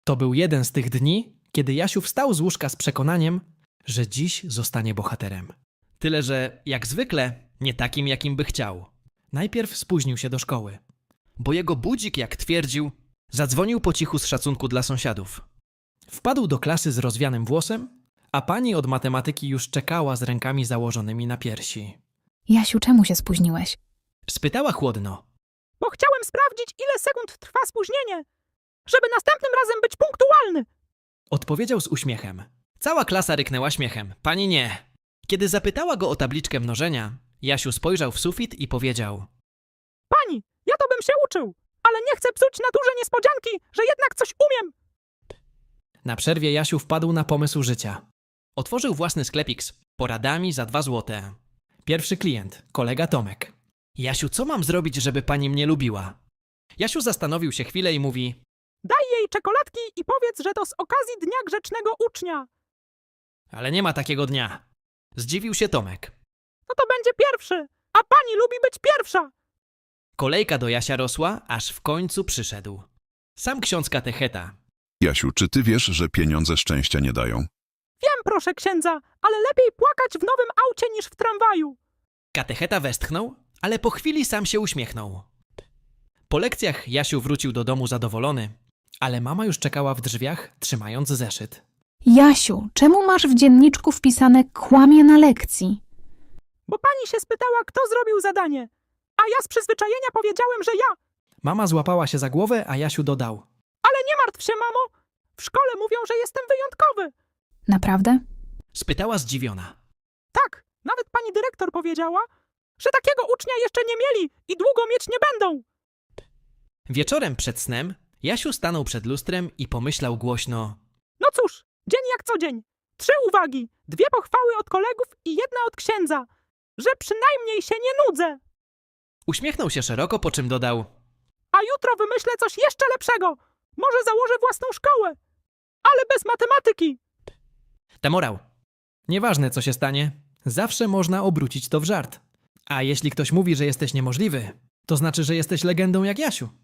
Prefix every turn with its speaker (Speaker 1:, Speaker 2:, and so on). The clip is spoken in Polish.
Speaker 1: To był jeden z tych dni, kiedy Jasiu wstał z łóżka z przekonaniem, że dziś zostanie bohaterem. Tyle, że jak zwykle nie takim, jakim by chciał. Najpierw spóźnił się do szkoły, bo jego budzik, jak twierdził, zadzwonił po cichu z szacunku dla sąsiadów. Wpadł do klasy z rozwianym włosem, a pani od matematyki już czekała z rękami założonymi na piersi.
Speaker 2: Jasiu, czemu się spóźniłeś?
Speaker 1: Spytała chłodno.
Speaker 3: Bo chciałem sprawdzić, ile sekund trwa spóźnienie, żeby następnym razem być punktualny.
Speaker 1: Odpowiedział z uśmiechem. Cała klasa ryknęła śmiechem. Pani nie. Kiedy zapytała go o tabliczkę mnożenia, Jasiu spojrzał w sufit i powiedział:
Speaker 3: Pani, ja to bym się uczył, ale nie chcę psuć naturze niespodzianki, że jednak coś umiem.
Speaker 1: Na przerwie Jasiu wpadł na pomysł życia. Otworzył własny sklepik z poradami za 2 złote. Pierwszy klient, kolega Tomek. Jasiu, co mam zrobić, żeby pani mnie lubiła? Jasiu zastanowił się chwilę i mówi:
Speaker 3: Daj jej czekoladki i powiedz, że to z okazji Dnia Grzecznego Ucznia.
Speaker 1: ale nie ma takiego dnia. Zdziwił się Tomek.
Speaker 3: No to będzie pierwszy, a pani lubi być pierwsza.
Speaker 1: Kolejka do Jasia rosła, aż w końcu przyszedł. Sam ksiądz katecheta.
Speaker 4: Jasiu, czy ty wiesz, że pieniądze szczęścia nie dają?
Speaker 3: Wiem, proszę księdza, ale lepiej płakać w nowym aucie niż w tramwaju.
Speaker 1: Katecheta westchnął, ale po chwili sam się uśmiechnął. Po lekcjach Jasiu wrócił do domu zadowolony, ale mama już czekała w drzwiach, trzymając zeszyt.
Speaker 2: Jasiu, czemu masz w dzienniczku wpisane kłamie na lekcji?
Speaker 3: Bo pani się spytała, kto zrobił zadanie, a ja z przyzwyczajenia powiedziałem, że ja.
Speaker 1: Mama złapała się za głowę, a Jasiu dodał:
Speaker 3: Ale nie martw się, mamo. W szkole mówią, że jestem wyjątkowy.
Speaker 2: Naprawdę?
Speaker 1: Spytała zdziwiona.
Speaker 3: Tak, nawet pani dyrektor powiedziała, że takiego ucznia jeszcze nie mieli i długo mieć nie będą.
Speaker 1: Wieczorem przed snem Jasiu stanął przed lustrem i pomyślał głośno:
Speaker 3: No cóż, dzień jak co dzień. 3 uwagi, 2 pochwały od kolegów i 1 od księdza, że przynajmniej się nie nudzę.
Speaker 1: Uśmiechnął się szeroko, po czym dodał:
Speaker 3: A jutro wymyślę coś jeszcze lepszego. Może założę własną szkołę, ale bez matematyki.
Speaker 1: Temorał. Nieważne, co się stanie, zawsze można obrócić to w żart. A jeśli ktoś mówi, że jesteś niemożliwy, to znaczy, że jesteś legendą jak Jasiu.